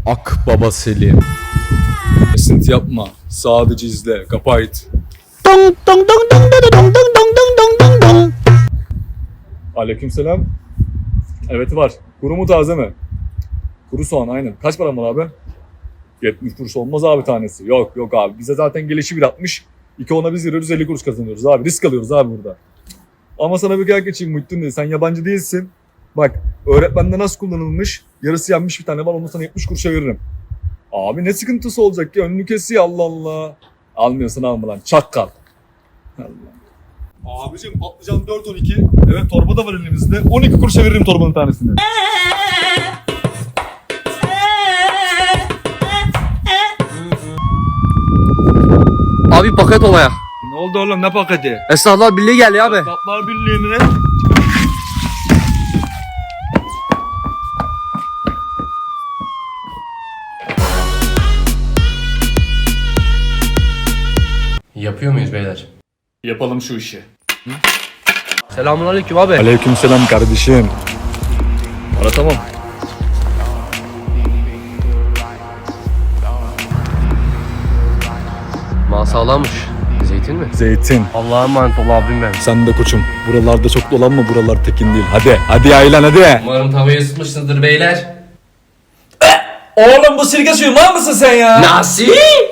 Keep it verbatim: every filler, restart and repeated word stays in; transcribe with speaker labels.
Speaker 1: Akbaba Selim. Esinti yapma. Sadece izle. Kapayt.
Speaker 2: Dong dong dong dong dong dong dong dong dong dong dong.
Speaker 1: Aleykümselam. Evet var. Kuru mu taze mi? Kuru soğan aynen. Kaç para var abi? yetmiş kuruş olmaz abi tanesi. Yok yok abi. Bize zaten gelişi bir altmış. İki ona biz veriyoruz elli kuruş kazanıyoruz abi. Risk alıyoruz abi burada. Ama sana bir kıyak geçeyim Muhittin diye. Sen yabancı değilsin. Bak öğretmende nasıl kullanılmış? Yarısı yanmış bir tane var. Onu sana yetmiş kuruşa veririm. Abi ne sıkıntısı olacak ya? Önünü kesiyor Allah Allah. Almıyorsan alma lan. Çakkal. Allah. Abicim patlıcan dört on iki. Evet torba da var elimizde. on iki kuruşa veririm torbanın tanesini.
Speaker 2: Abi paket olaya.
Speaker 1: Ne oldu oğlum ne paketi?
Speaker 2: Esnaflar Birliği geldi abi.
Speaker 1: Tatlar Birliği mi?
Speaker 3: Yapıyor muyuz beyler?
Speaker 1: Yapalım şu işi.
Speaker 2: Selamünaleyküm abi.
Speaker 1: Aleykümselam kardeşim. Ara tamam.
Speaker 2: Mal sağlammış. Zeytin mi?
Speaker 1: Zeytin.
Speaker 2: Allah'a emanet ol abim benim.
Speaker 1: Sen de koçum. Buralarda çok dolanma, buralar tekin değil. Hadi, hadi yaylan hadi.
Speaker 3: Umarım tavayı ısıtmışsınızdır beyler.
Speaker 4: Oğlum bu sirke suyu mal mısın sen ya?
Speaker 3: Nasıl?